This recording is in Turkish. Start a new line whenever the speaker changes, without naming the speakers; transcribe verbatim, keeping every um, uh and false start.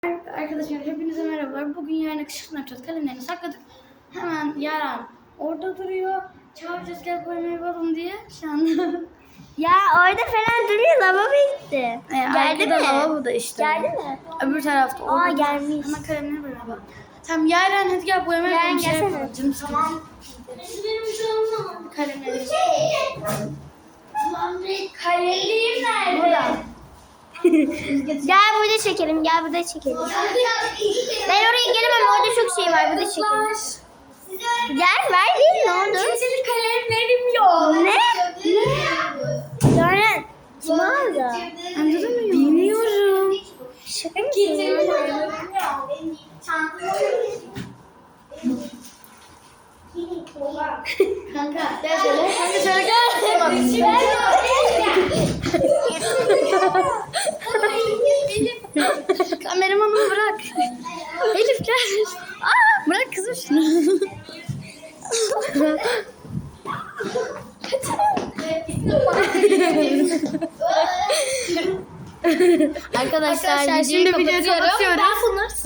Arkadaşlar hepinize merhabalar. Bugün yarın kışkırtma yapacağız. Kalemlerini sakladık. Hemen Yaren orada duruyor. Çağıracağız gel boyamayı yapalım diye. Şu anda.
Ya orada falan duruyor, lavabo gitti.
E,
Geldi mi?
Lavabo da işte.
Geldi mi?
Öbür tarafta.
Aa,
orada.
gelmiş.
Hemen kalemleri beraber. Tamam Yaren hadi gel boyamayı
Yaren,
yapalım. Şey
gelsene.
yapalım. Canım tamam. Kalemleri.
Kalemliğim nerede?
Burada.
Gel burada çekelim, gel burada çekelim. Ben oraya gelemem, orada çok şey var, burada çekelim. Gel, ver değil, ne oldu?
Kimsenin kalemlerim yok.
Ne? Yaren, kim aldı?
Anladın mı? Bilmiyorum.
Şaka mısın?
Kanka gel şöyle. Kanka şöyle gel. Kameramanımı bırak. Elif gel. Aa, bırak kızım şunu. Arkadaşlar, Arkadaşlar şimdi videoyu kapatıyoruz.